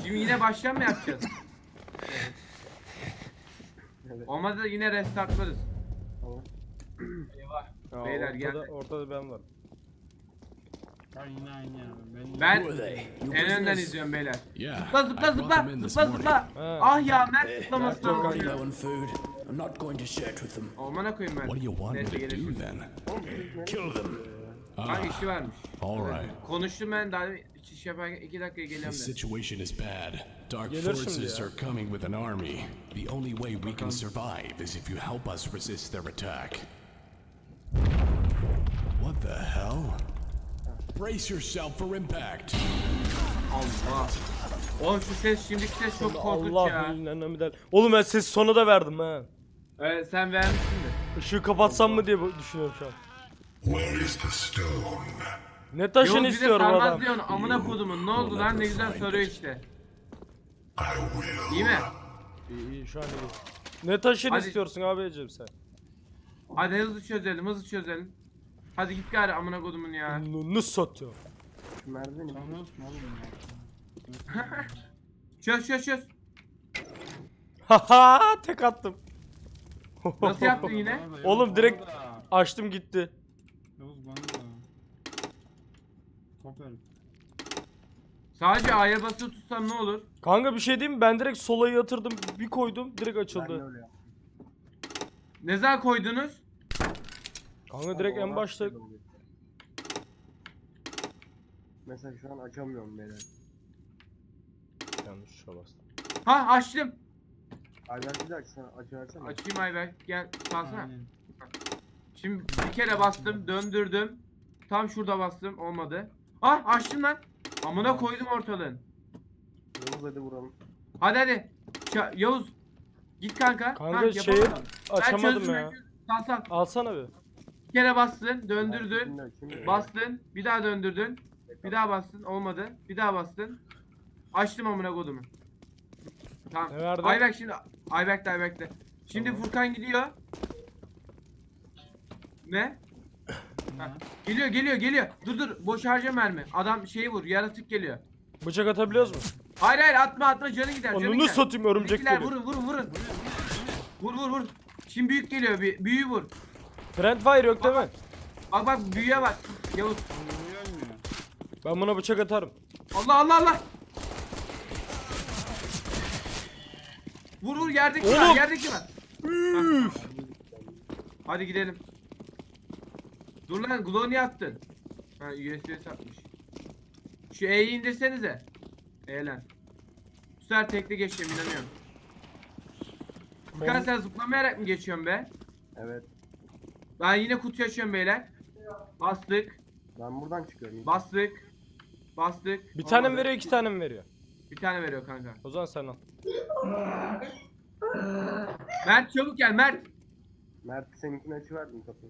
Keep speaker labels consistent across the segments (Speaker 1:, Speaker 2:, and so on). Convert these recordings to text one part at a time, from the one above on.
Speaker 1: Şimdi yine baştan mı yapacağız?
Speaker 2: Evet.
Speaker 1: Olmadı da yine restartlarız.
Speaker 2: Tamam.
Speaker 1: Eyvah.
Speaker 3: Ya
Speaker 1: Beyler geldi.
Speaker 3: ortada ben varım.
Speaker 4: Ya yine aynı ya.
Speaker 1: Ben
Speaker 5: Who are they? Your
Speaker 1: en önden
Speaker 5: business?
Speaker 1: izliyorum beyler.
Speaker 5: Yeah,
Speaker 1: Zıpla
Speaker 5: I
Speaker 1: zıpla
Speaker 5: brought
Speaker 1: zıpla
Speaker 5: them in this
Speaker 1: zıpla
Speaker 5: morning.
Speaker 1: zıpla.
Speaker 3: Ha.
Speaker 1: Ah ya Mert
Speaker 5: Eh,
Speaker 1: zıplaması
Speaker 5: I've got
Speaker 1: lazım.
Speaker 5: low on food. I'm not going to share it with them.
Speaker 1: Olmana koyayım ben.
Speaker 5: What do you want me
Speaker 1: Neyse
Speaker 5: to
Speaker 1: gelişim.
Speaker 5: do then?
Speaker 2: Kill them.
Speaker 1: Hangi işi varmış?
Speaker 5: All right.
Speaker 1: Konuştum ben daha iş yaparken 2 dakikaya geliyorum
Speaker 5: The
Speaker 1: ben.
Speaker 5: situation is bad. Dark
Speaker 3: Gelir şimdi
Speaker 5: forces
Speaker 3: ya.
Speaker 5: are coming with an army. The only way we can survive is if you help us resist their attack. What the hell? Brace yourself for impact.
Speaker 1: Allah. Oğlum şu ses şimdiki ses çok korkunç
Speaker 3: Allah
Speaker 1: ya.
Speaker 3: bilir. Oğlum ben ses sona da verdim ha.
Speaker 1: Evet sen vermişsindir.
Speaker 3: Işığı kapatsam mı diye düşünüyorum şu an.
Speaker 6: Where is the stone?
Speaker 3: Ne taşını
Speaker 1: Yavuz bir de
Speaker 3: istiyorum
Speaker 1: sarmaz
Speaker 3: adam.
Speaker 1: diyorsun amına kodumun ne oldu lan ne güzel soruyor işte. İyi mi?
Speaker 3: İyi şu an iyi. Ne taşını
Speaker 1: Hadi.
Speaker 3: istiyorsun abicim sen?
Speaker 1: Hadi hızlı çözelim hızlı çözelim. Hadi git gari amına kodumun ya.
Speaker 3: Ne satıyor?
Speaker 2: Şu merdiveni
Speaker 4: Tanıyorsun oğlum ya.
Speaker 1: Çöz.
Speaker 3: Haha tek attım.
Speaker 1: Nasıl yaptın yine?
Speaker 4: Bana da, Yavuz,
Speaker 3: Oğlum
Speaker 4: bana
Speaker 3: direkt
Speaker 4: da.
Speaker 3: açtım gitti.
Speaker 4: Yavuz bana da. Top herif.
Speaker 1: Sadece A'ya basılı tutsam ne olur?
Speaker 3: Kanka bir şey diyeyim mi? Ben direkt sola yatırdım bir koydum direkt
Speaker 2: Ben de
Speaker 3: açıldı.
Speaker 2: öyle yaptım.
Speaker 1: Ne zaman koydunuz?
Speaker 3: Kanka direkt en başta.
Speaker 2: Mesela şu an açamıyorum beyler.
Speaker 3: Yanlış tuşa bastım.
Speaker 1: Ha açtım.
Speaker 2: Ayberk'i de açsana, açıversene.
Speaker 1: Açayım Ayberk gel salsana.
Speaker 4: Aynen.
Speaker 1: Şimdi bir kere bastım döndürdüm. Tam şurada bastım olmadı. Ah açtım lan. Amına koydum ortalığın.
Speaker 2: Yavuz hadi vuralım.
Speaker 1: Hadi. Yavuz. Git kanka.
Speaker 3: Kanka
Speaker 1: Ha,
Speaker 3: şeyi
Speaker 1: yapamadım. Ben
Speaker 3: açamadım
Speaker 1: çözdüm,
Speaker 3: ya.
Speaker 1: Sal.
Speaker 3: Alsana bir.
Speaker 1: Bir kere bastın döndürdün.
Speaker 2: Şimdi açayım.
Speaker 1: Bastın. Bir daha döndürdün. Bir daha bastın olmadı. Bir daha bastın. Açtım amına kodumu. Tamam.
Speaker 3: Ne verdi?
Speaker 1: Ayberk şimdi. Ayberk'te. Şimdi
Speaker 3: Tamam.
Speaker 1: Furkan gidiyor. Ne? Ha, geliyor. Dur. Boş harca mermi. Adam şeyi vur. Yaratık geliyor.
Speaker 3: Bıçak atabiliyoruz mu?
Speaker 1: Hayır atma canı gider.
Speaker 3: Onu satayım örümcek
Speaker 1: Bizimkiler
Speaker 3: gibi.
Speaker 1: vurun. Vur. Şimdi büyük geliyor. Büyüğü vur.
Speaker 3: Friendfire yok değil mi?
Speaker 1: Bak büyüğe bak. Yavuz.
Speaker 4: Niye ölmüyor?
Speaker 3: Ben buna bıçak atarım.
Speaker 1: Allah. Vur yerdeki
Speaker 3: Oğlum.
Speaker 1: var. Yerdeki var. Hadi gidelim. Dur lan Glow niye attın? Ha USB satmış. Şu E'yi indirsenize. E lan. Bu sefer tekli geçeceğim inanıyorum. Furkan sen zıplamayarak mı geçiyorsun be?
Speaker 2: Evet.
Speaker 1: Ben yine kutu açıyorum beyler. Bastık.
Speaker 2: Ben buradan çıkıyorum.
Speaker 1: Bastık.
Speaker 3: Bir tane mi
Speaker 1: Olmadı.
Speaker 3: veriyor 2 tane mi veriyor?
Speaker 1: Bir tane veriyor kanka.
Speaker 3: O zaman sen al.
Speaker 1: Mert çabuk gel Mert.
Speaker 2: Mert seninkini açıverdim kapıyı.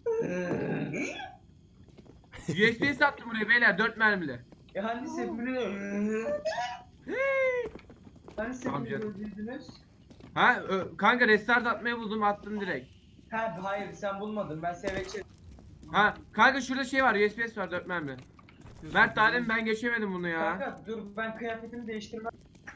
Speaker 1: USB sattım buraya beyler 4 mermili.
Speaker 7: Ya hani sepini Hani
Speaker 1: Tamam
Speaker 7: sepini
Speaker 1: canım.
Speaker 7: öldürdünüz?
Speaker 1: Ha kanka restart atmayı buldum attım direkt.
Speaker 7: Ha hayır sen bulmadın ben seveçe.
Speaker 1: Ha kanka şurada şey var USB var 4 mermi. Mert daha demin ben geçemedim bunu ya.
Speaker 7: Kanka dur ben kıyafetimi değiştirmem.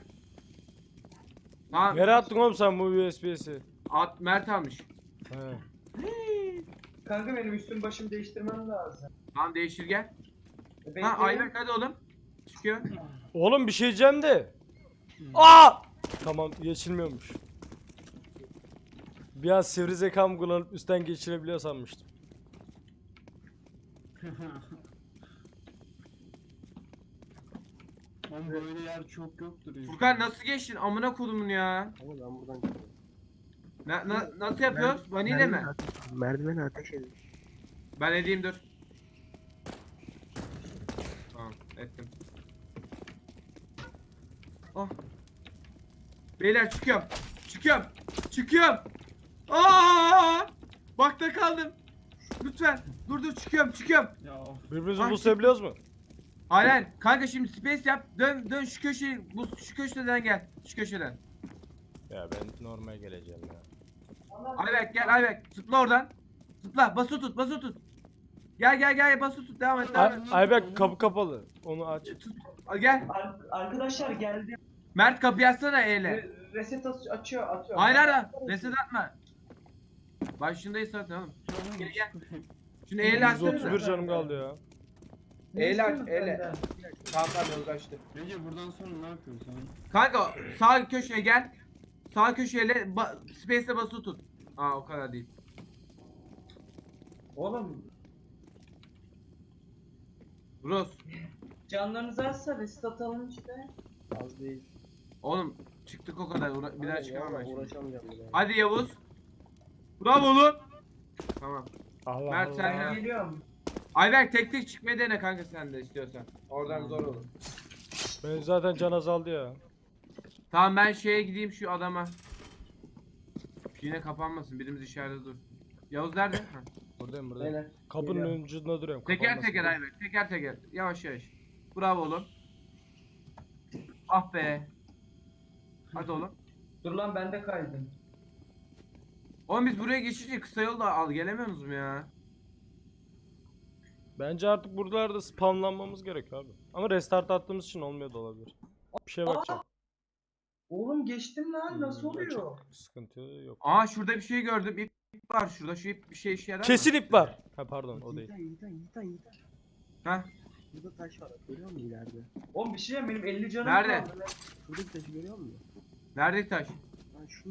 Speaker 1: Tamam.
Speaker 3: Nereye attın oğlum sen bu USB'si?
Speaker 1: Mert almış.
Speaker 3: He.
Speaker 7: Kanka benim üstüm başımı değiştirmem lazım.
Speaker 1: Tamam değiştir gel.
Speaker 7: Bekleyin.
Speaker 1: Ha Ayberk hadi oğlum. Çıkıyor.
Speaker 3: Oğlum bir şey diyeceğim de. Aa! Tamam geçilmiyormuş. Bir an sivri zekamı kullanıp üstten geçirebiliyor sanmıştım.
Speaker 4: Oğlum böyle yer çok yoktur. ya.
Speaker 1: Furkan nasıl geçtin amına kodumun ya.
Speaker 2: Ama ben buradan çıkıyorum.
Speaker 1: Nasıl yapıyoruz? Vanille mi?
Speaker 2: Merdiveni ateş edin.
Speaker 1: Ben edeyim dur. Tamam ettim. Oh. Beyler çıkıyorum. Aa! Bakta kaldım. Lütfen. Dur çıkıyorum.
Speaker 4: Ya of.
Speaker 3: Birbirimizi
Speaker 1: Ay,
Speaker 3: buslayabiliyoruz mu?
Speaker 1: Aynen. Kanka şimdi space yap. Dön şu köşeyi. Şu köşeden gel. Şu köşeden.
Speaker 3: Ya ben normal geleceğim ya.
Speaker 1: Ayberk gel Ayberk. Zıpla oradan. Zıpla. Bası tut. Gel bası tut. Devam et.
Speaker 3: Ayberk kapı kapalı. Onu aç.
Speaker 1: Tut. Al gel.
Speaker 7: Arkadaşlar geldi.
Speaker 1: Mert kapıyı açsana E'yle.
Speaker 7: Reset atıyor.
Speaker 1: Hayır hayır. Reset atma. Başındayız zaten oğlum. Gel gel. Şunu E'yle açsana.
Speaker 3: 131 canım kaldı ya.
Speaker 1: E'yle aç E'yle. Tamam tamam uğraştı.
Speaker 4: Ege buradan sonra ne yapıyorsun sen?
Speaker 1: Kanka sağ köşeye gel. Sağ köşeyle space'e basılı tut. Aa o kadar değil.
Speaker 7: Oğlum
Speaker 1: Bros.
Speaker 7: canlarınız azsa reset atalım işte.
Speaker 2: Az değil.
Speaker 1: Oğlum çıktık o kadar. Bir daha
Speaker 2: Aynen,
Speaker 1: çıkamam ben
Speaker 2: vallahi
Speaker 1: şimdi.
Speaker 2: uğraşamayacağım bir daha.
Speaker 1: Hadi Yavuz. Bravo oğlum. Tamam.
Speaker 3: Allah
Speaker 1: Mert
Speaker 3: Allah.
Speaker 1: sen
Speaker 7: Ben
Speaker 1: de.
Speaker 7: geliyorum.
Speaker 1: Ayberk tek tek çıkmayı dene kanka sen de istiyorsan. Oradan zor olur.
Speaker 3: Ben zaten can azaldı ya.
Speaker 1: Tamam ben şeye gideyim şu adama. Yine kapanmasın. Birimiz içeride dur. Yavuz nerede? Ha.
Speaker 3: Buradayım buradayım.
Speaker 7: Beyler.
Speaker 3: Kapının
Speaker 7: geliyorum.
Speaker 3: ucunda duruyorum.
Speaker 1: Teker
Speaker 3: kapanmasın
Speaker 1: teker
Speaker 3: diye.
Speaker 1: Ayberk. Teker teker. Yavaş yavaş. Bravo oğlum. Ah be. Hadi oğlum.
Speaker 7: Dur lan ben de kaydım.
Speaker 1: Oğlum biz buraya geçince kısa yolda al gelemiyoruz mu ya?
Speaker 3: Bence artık buralarda spamlanmamız gerekiyor abi. Ama restart attığımız için olmuyor da olabilir. Bir şeye bakacağım.
Speaker 7: Oğlum geçtim lan nasıl oluyor?
Speaker 3: Çok sıkıntı yok.
Speaker 1: Aa şurada bir şey gördüm. İp var şurada. Şu ip bir şey işe yarar mı?
Speaker 3: Kesin ip var. Ha pardon o değil.
Speaker 2: Yiğitan.
Speaker 1: Ha?
Speaker 2: Burada taş var. Görüyor musun ileride?
Speaker 7: Oğlum bir şey diyeyim, benim 50 canım
Speaker 1: Nerede?
Speaker 7: kaldı lan.
Speaker 2: Şuradaki taşı görüyor musun?
Speaker 1: Nerede taş?
Speaker 2: Lan şu.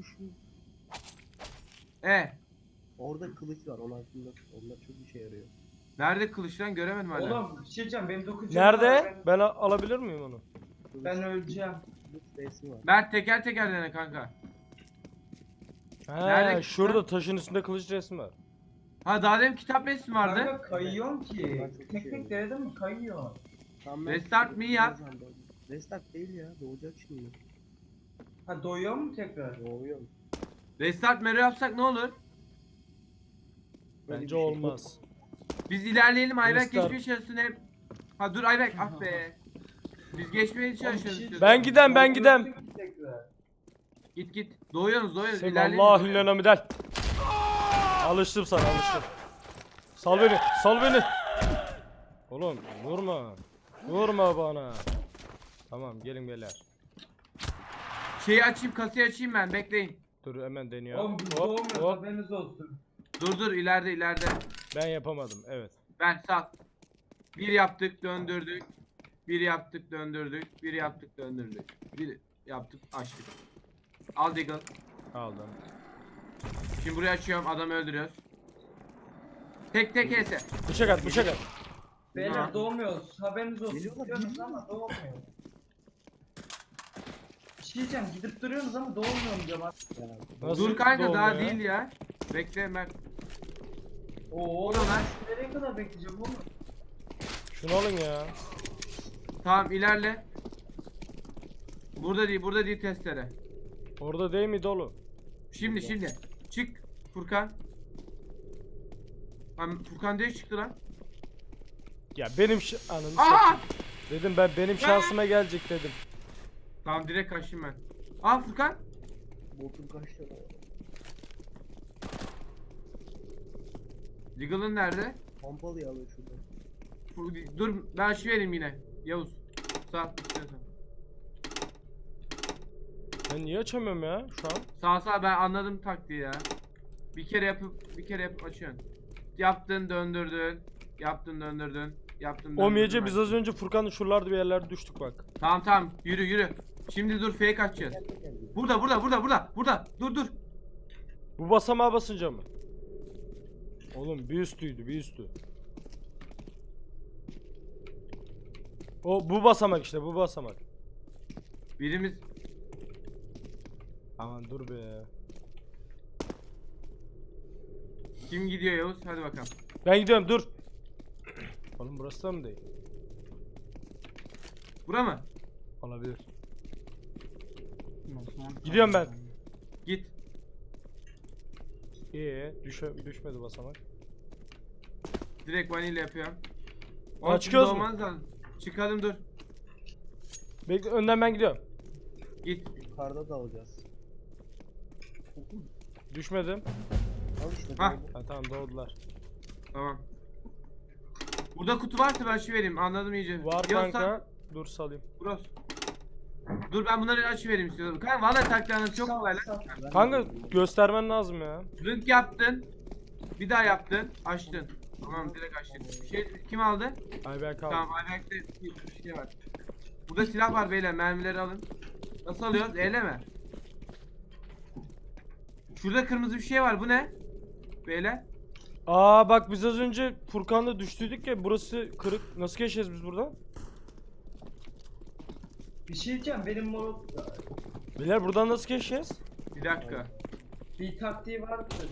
Speaker 2: Orada kılıç var. Onlar çok işe yarıyor.
Speaker 1: Nerede kılıç lan göremedim hala.
Speaker 7: Oğlum bir şey diyeceğim, benim 9 canım var.
Speaker 3: Nerede? Ben alabilir miyim onu?
Speaker 7: Ben öleceğim.
Speaker 2: Kılıç resmi var.
Speaker 1: Mert teker teker dene kanka.
Speaker 3: Ha,
Speaker 1: Nerede
Speaker 3: şurada taşın üstünde kılıç resmi var.
Speaker 1: Ha daha demin kitap resmi vardı.
Speaker 7: Kanka kayıyorum ki.
Speaker 2: Ben çok
Speaker 7: Tek
Speaker 2: şey
Speaker 7: tek denedim mi kayıyor.
Speaker 2: Tamam,
Speaker 1: Restart me yap.
Speaker 2: Restart değil ya. Doğacak şimdi.
Speaker 7: Ha doyuyor mu tekrar?
Speaker 2: Doğuyor.
Speaker 1: Restart mero yapsak ne olur?
Speaker 2: Böyle bir
Speaker 3: Bence
Speaker 2: şey
Speaker 3: olmaz.
Speaker 1: Biz ilerleyelim Ayberk
Speaker 3: Restart.
Speaker 1: geçmeye çalışsın hep. Ha dur Ayberk ah be. Biz geçmeye
Speaker 7: Oğlum bir
Speaker 1: çalışıyoruz.
Speaker 7: şey
Speaker 1: istiyorsan.
Speaker 3: Ben gidem ben gidem.
Speaker 7: Doyuyorsun ki tekrar.
Speaker 1: Git. Doğuyorsunuz
Speaker 3: Sen
Speaker 1: ilerleyelim.
Speaker 3: Allah illena midel. Alıştım sana alıştım. Sal beni sal beni. Oğlum vurma. Vurma bana. Tamam gelin beyler.
Speaker 1: Şeyi açayım kasayı açayım ben bekleyin.
Speaker 3: Dur hemen deniyor.
Speaker 7: Oğlum biz
Speaker 3: Hop
Speaker 7: doğmuyoruz,
Speaker 3: hop.
Speaker 7: haberiniz olsun.
Speaker 1: Dur ileride.
Speaker 3: Ben yapamadım evet.
Speaker 1: Ben sal. Bir yaptık döndürdük. Bir yaptık döndürdük. Bir yaptık döndürdük. Bir yaptık açtık. Al Deagle.
Speaker 3: Aldım.
Speaker 1: Şimdi burayı açıyorum adamı öldürüyoruz. Tek ese.
Speaker 3: Bıçak at bıçak at.
Speaker 7: Beyler
Speaker 1: Ha.
Speaker 7: doğmuyoruz, haberiniz olsun.
Speaker 2: Geliyorlar,
Speaker 7: Diyorsunuz
Speaker 2: geliyorlar.
Speaker 7: ama doğmuyor. Bir şey diyeceğim, gidip duruyorsunuz ama doğmuyorum diyorum.
Speaker 3: Nasıl
Speaker 1: Dur kanka
Speaker 3: dolma
Speaker 1: daha
Speaker 3: ya?
Speaker 1: değil ya. Bekle Mert.
Speaker 7: Oo
Speaker 1: O da lan.
Speaker 7: ben nereye kadar bekleyeceğim oğlum?
Speaker 3: Şunu alın ya.
Speaker 1: Tamam ilerle. Burada değil testere.
Speaker 3: Orada değil mi dolu?
Speaker 1: Şimdi. Çık Furkan. Furkan diye çıktı lan.
Speaker 3: Ya benim ananı
Speaker 1: Aa!
Speaker 3: satayım. Dedim ben benim şansıma gelecek dedim.
Speaker 1: Tamam direkt kaçtım ben. Aa Furkan.
Speaker 2: Botum kaçtı.
Speaker 1: Deagle'ın nerede?
Speaker 2: Pompalıyı alıyor şurada.
Speaker 1: Dur ben şu vereyim yine. Yavuz. Sağ istiyorsan.
Speaker 3: Ben niye açamıyorum ya şu an?
Speaker 1: Sağ ben anladım taktiği ya. Bir kere yapıp açıyorsun. Yaptın döndürdün. Yaptın döndürdün.
Speaker 3: Omyece biz az önce Furkan'ın şuralarda bir yerlerde düştük bak.
Speaker 1: Tamam yürü. Şimdi dur fake açacağız. Burada. Dur.
Speaker 3: Bu basamağa basınca mı? Oğlum bir üstüydü bir üstü. O bu basamak işte bu basamak.
Speaker 1: Birimiz
Speaker 3: Aman dur be.
Speaker 1: kim gidiyor Yavuz? Hadi bakalım.
Speaker 3: Ben gidiyorum dur. Oğlum burası da mı değil?
Speaker 1: Bura mı?
Speaker 3: Olabilir.
Speaker 4: Osman
Speaker 3: Gidiyorum ben.
Speaker 1: Git.
Speaker 3: Düşmedi basamak.
Speaker 1: Direkt vanilya yapıyorum.
Speaker 3: Aa, çıkıyoruz mu?
Speaker 1: Olmaz lazım. Çıkalım dur.
Speaker 3: Bekle önden ben gidiyorum.
Speaker 1: Git.
Speaker 2: Yukarıda da alacağız.
Speaker 3: Düşmedim.
Speaker 2: Al işte.
Speaker 1: Hah.
Speaker 2: doğru.
Speaker 3: Ha tamam doğdular.
Speaker 1: Tamam. Burada kutu varsa ben şu vereyim. Anladım iyice.
Speaker 3: Var
Speaker 1: Yavuz
Speaker 3: kanka. Dur salayım.
Speaker 1: Burası. Dur ben bunları açı vereyim istiyorum. Kanka valla taktiğiniz çok kolay lan.
Speaker 3: Kanka göstermen lazım ya.
Speaker 1: Link yaptın. Bir daha yaptın. Açtın. Tamam direkt açtın. Kim aldı?
Speaker 3: Ayberk abi.
Speaker 1: Tamam Ayberk'te bir şey var. Burada silah var beyler, mermileri alın. Nasıl alıyoruz? Eyle mi? Şurada kırmızı bir şey var, bu ne? Beyler.
Speaker 3: Aa bak biz az önce Furkan'la düştüydük ya, burası kırık. Nasıl geçeceğiz biz buradan?
Speaker 7: Bir şey diyeceğim, benim mor
Speaker 3: Beyler buradan nasıl geçeceğiz?
Speaker 1: Bir dakika.
Speaker 7: bir taktiği vardır.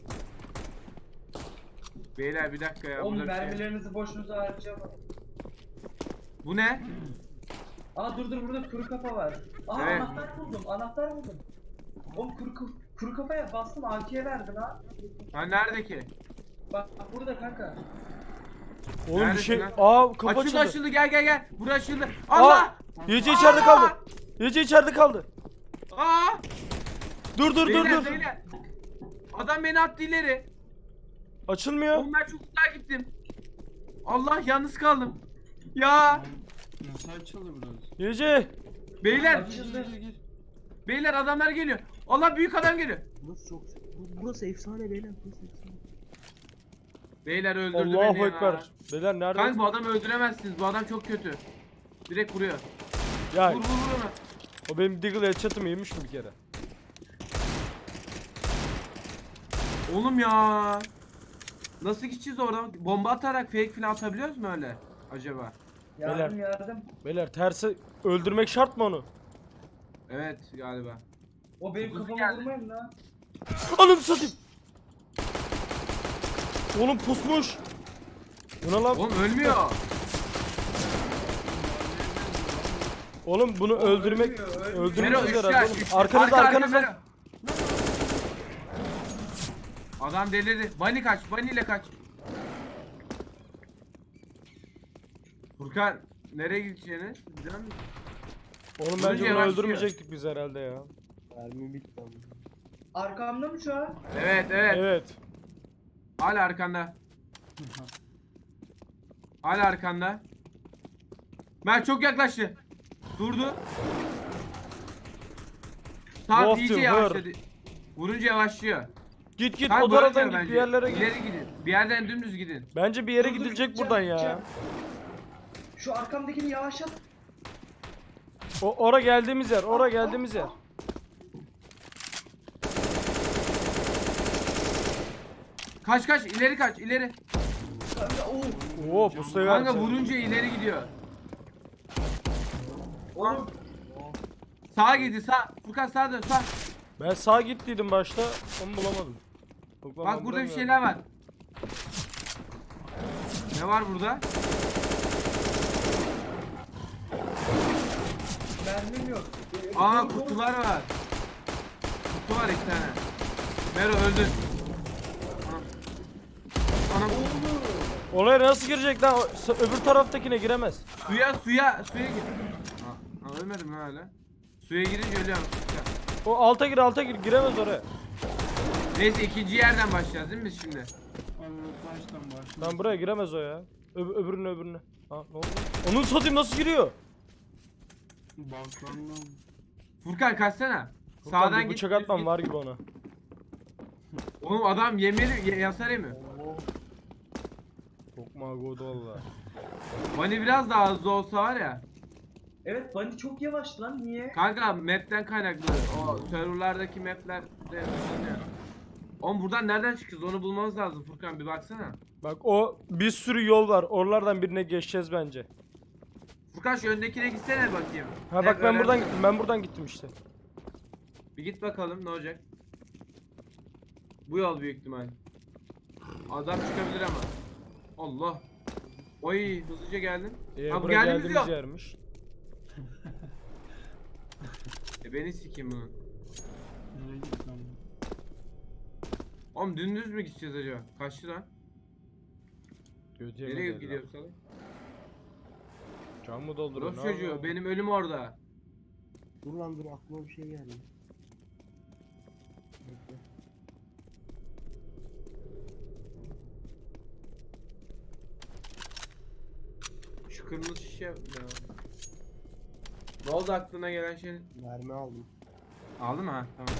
Speaker 1: Beyler bir dakika ya.
Speaker 7: Oğlum
Speaker 1: burada bir şey.
Speaker 7: mermilerinizi boşunuza harcamayın.
Speaker 1: Bu ne?
Speaker 7: Aa dur burada kuru kafa var. Aa
Speaker 1: Evet.
Speaker 7: anahtar buldum. Oğlum kuru kafaya bastım, AK'ye verdin ha.
Speaker 1: Ha nerede ki?
Speaker 7: Bak burada kanka.
Speaker 3: Oğlum bir
Speaker 1: Neredesin
Speaker 3: şey...
Speaker 1: lan?
Speaker 3: Aa kapı
Speaker 1: Açıldı
Speaker 3: açıldı.
Speaker 1: açıldı, gel. Burası açıldı.
Speaker 3: Aa!
Speaker 1: Allah!
Speaker 3: Yece içeride kaldı. Yece içeride kaldı.
Speaker 1: Aa!
Speaker 3: Dur
Speaker 1: Beyler,
Speaker 3: dur.
Speaker 1: beyler. Adam beni attı ileri.
Speaker 3: Açılmıyor.
Speaker 1: Oğlum ben çok uzağa gittim. Allah, yalnız kaldım. Ya
Speaker 4: Nasıl açıldı burası?
Speaker 3: Yece.
Speaker 1: beyler,
Speaker 7: Açıldı.
Speaker 4: Gir.
Speaker 1: beyler adamlar geliyor. Allah, büyük adam geliyor.
Speaker 2: Burası çok... Burası efsane beyler. Burası efsane.
Speaker 1: Beyler öldürdü
Speaker 3: Allahu
Speaker 1: beni ya.
Speaker 3: ekber. Beyler nerede?
Speaker 1: Kanka bu adamı öldüremezsiniz. Bu adam çok kötü. Direkt vuruyor.
Speaker 3: Ya
Speaker 1: Vur onu.
Speaker 3: o benim Deagle headshot'ımı yemiş mi bir kere?
Speaker 1: Oğlum ya. Nasıl gideceğiz oradan? Bomba atarak fake falan atabiliyoruz mu öyle acaba?
Speaker 7: Yardım.
Speaker 3: Beyler tersi öldürmek şart mı onu?
Speaker 1: Evet galiba.
Speaker 7: O benim
Speaker 1: Kuzu
Speaker 7: kafama
Speaker 1: geldi.
Speaker 7: vurmayın lan.
Speaker 3: Anam satayım. Oğlum pusmuş. Bu ne lan?
Speaker 1: Oğlum ölmüyor.
Speaker 3: Oğlum bunu öldürmek
Speaker 7: ölmüyor.
Speaker 3: öldürmek
Speaker 1: Mero
Speaker 3: üzere
Speaker 1: 3
Speaker 3: oğlum.
Speaker 1: yaş. Üç.
Speaker 3: Arkanızda
Speaker 1: Arka,
Speaker 3: arkanızda.
Speaker 1: Mero. Adam delirdi. Bunny kaç. Bunny ile kaç. Furkan nereye gideceğini biliyor musun?
Speaker 3: Oğlum
Speaker 1: Vurunca
Speaker 3: bence bunu
Speaker 1: yavaşlıyor.
Speaker 3: öldürmeyecektik biz herhalde ya.
Speaker 2: Mermi bitti ama.
Speaker 7: Arkamda mı şu an?
Speaker 1: Evet.
Speaker 3: Evet.
Speaker 1: Hala arkanda. Hala arkanda. Ben çok yaklaştı. Durdu. Tamam
Speaker 3: Wolf
Speaker 1: iyice
Speaker 3: to
Speaker 1: yavaşladı. Vurunca yavaşlıyor.
Speaker 3: Git
Speaker 1: Kanka
Speaker 3: o
Speaker 1: böyle
Speaker 3: taraftan
Speaker 1: diyor
Speaker 3: git
Speaker 1: bence.
Speaker 3: bir yerlere git.
Speaker 1: İleri gidin. Bir yerden dümdüz gidin.
Speaker 3: Bence bir yere
Speaker 7: Dur,
Speaker 3: gidilecek
Speaker 7: gideceğim,
Speaker 3: buradan ya.
Speaker 7: gideceğim. Şu arkamdakini yavaşlat.
Speaker 3: Ora geldiğimiz yer, ora geldiğimiz yer.
Speaker 1: Kaç ileri kaç ileri.
Speaker 7: Kanka
Speaker 3: Oo pustayı
Speaker 1: Kanka
Speaker 3: verdi.
Speaker 1: vurunca ileri gidiyor.
Speaker 7: Oğlum
Speaker 1: Sağa gidi sağ. Furkan sağa dön sağ.
Speaker 3: Ben sağa gittiydim başta, onu bulamadım. Yok lan,
Speaker 1: Bak
Speaker 3: ben
Speaker 1: burada bir
Speaker 3: bulamıyorum.
Speaker 1: şeyler var. Ne var burada?
Speaker 7: mermim yok.
Speaker 1: Aa kutular var. Kutu var 2 tane. Mero öldü. Anam.
Speaker 3: Oraya nasıl girecek lan? Öbür taraftakine giremez.
Speaker 1: Suya gir. Aa, ölmedim hala. Suya girince ölüyorum.
Speaker 3: O alta gir, giremez oraya.
Speaker 1: Neyse ikinci yerden başlayacağız değil mi biz şimdi?
Speaker 4: Abi baştan başla.
Speaker 3: Lan buraya giremez o ya. Öbürüne. Ha ne oldu? Onun satayım nasıl giriyor?
Speaker 4: Balkondan.
Speaker 1: Furkan kaçsana.
Speaker 3: Furkan,
Speaker 1: Sağdan
Speaker 3: bir
Speaker 1: git.
Speaker 3: bıçak
Speaker 1: düz
Speaker 3: atmam
Speaker 1: git.
Speaker 3: var gibi ona.
Speaker 1: Oğlum adam yemeli yasar yemiyor.
Speaker 3: Çok magodu valla.
Speaker 1: Bunny biraz daha hızlı olsa var ya.
Speaker 7: Evet Bunny çok yavaş lan, niye?
Speaker 1: Kanka map'ten kaynaklı. O serverlardaki map'ler de hızlanıyor. Oğlum buradan nereden çıkacağız onu bulmamız lazım Furkan, bir baksana.
Speaker 3: Bak o bir sürü yol var. Oralardan birine geçeceğiz bence.
Speaker 1: Furkan şu öndekine gitsene bakayım.
Speaker 3: Ha bak ben
Speaker 1: öğren-
Speaker 3: buradan gittim. Ben buradan gittim işte.
Speaker 1: Bir git bakalım ne olacak. Bu yol büyük ihtimal. Adam çıkabilir ama. Allah. Oy hızlıca geldim. Ha, bu
Speaker 3: Buraya
Speaker 1: geldiğimiz
Speaker 3: geldiğimiz
Speaker 1: yol.
Speaker 3: yermiş.
Speaker 1: Beni sikeyim bunu.
Speaker 4: Nereye gittim?
Speaker 1: Oğlum dümdüz mü gideceğiz acaba? Kaçtı lan?
Speaker 3: Götüye
Speaker 1: Nereye
Speaker 3: mi
Speaker 1: gidiyor salak?
Speaker 3: Can mı dolduruyor?
Speaker 1: Rus
Speaker 3: ne
Speaker 1: çocuğu
Speaker 3: yapıyor?
Speaker 1: benim ölüm orada.
Speaker 2: Dur lan dur, aklıma bir şey geldi. Bekle.
Speaker 1: Şu kırmızı şişe ya. Ne oldu aklına gelen şey?
Speaker 2: Mermi aldım.
Speaker 1: Aldın mı? Ha tamam.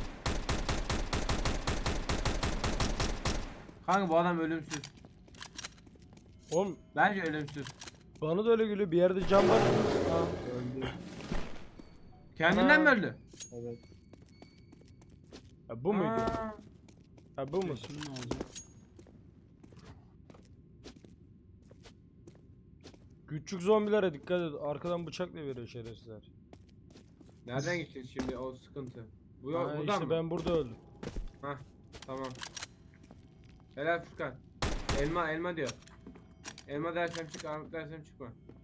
Speaker 1: Kanka bu adam ölümsüz.
Speaker 3: Oğlum
Speaker 1: Bence ölümsüz.
Speaker 3: bana da öyle geliyor. Bir yerde cam var. Ha.
Speaker 2: Öldü.
Speaker 1: Kendinden
Speaker 3: Ana.
Speaker 1: mi öldü?
Speaker 2: Evet.
Speaker 3: Ha, bu muydu?
Speaker 1: Aa,
Speaker 3: Ha bu mu?
Speaker 4: Şimdi ne olacak?
Speaker 3: Küçük zombilere dikkat et. Arkadan bıçakla veriyor şerefsizler.
Speaker 1: Nereden gideceğiz şimdi o sıkıntı? Bu
Speaker 3: Ha,
Speaker 1: buradan
Speaker 3: işte
Speaker 1: mı?
Speaker 3: ben burada öldüm.
Speaker 1: Hah tamam. Helal Furkan. Elma diyor. Elma dersem çık, armut dersem çıkma.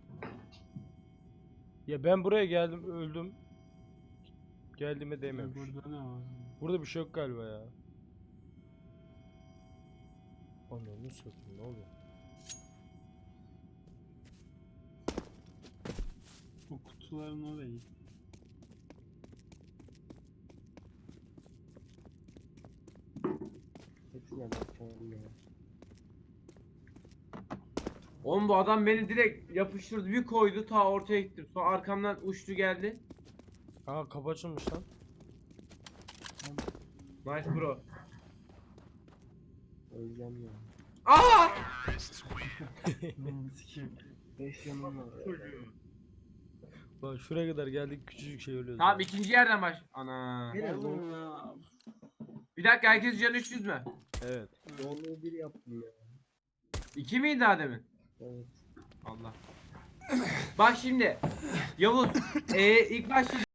Speaker 3: Ya ben buraya geldim öldüm. Geldiğime değmemiş.
Speaker 4: Burada ne var?
Speaker 3: Burada bir şey yok galiba ya. Ananı satayım ne oluyor?
Speaker 4: O kutuların oraya git.
Speaker 2: Hepsine bakacağım ya.
Speaker 1: Oğlum bu adam beni direkt yapıştırdı, bir koydu, ta ortaya gittim. Sonra arkamdan uçtu geldi.
Speaker 3: Aa kapı açılmış lan.
Speaker 1: Nice bro.
Speaker 2: Öleceğim ya.
Speaker 1: Aa!
Speaker 4: Sikeyim.
Speaker 2: 5 yanım var.
Speaker 3: Bak şuraya kadar geldik küçücük şey ölüyoruz.
Speaker 1: Tamam
Speaker 3: ya.
Speaker 1: ikinci yerden baş. Ana.
Speaker 4: Oğlum ya.
Speaker 1: Bir dakika, herkes canı 300 mü?
Speaker 3: Evet.
Speaker 2: Doğru bir yaptım ya.
Speaker 1: 2 miydi daha demin?
Speaker 2: Evet.
Speaker 1: Allah. Bak şimdi Yavuz ilk başta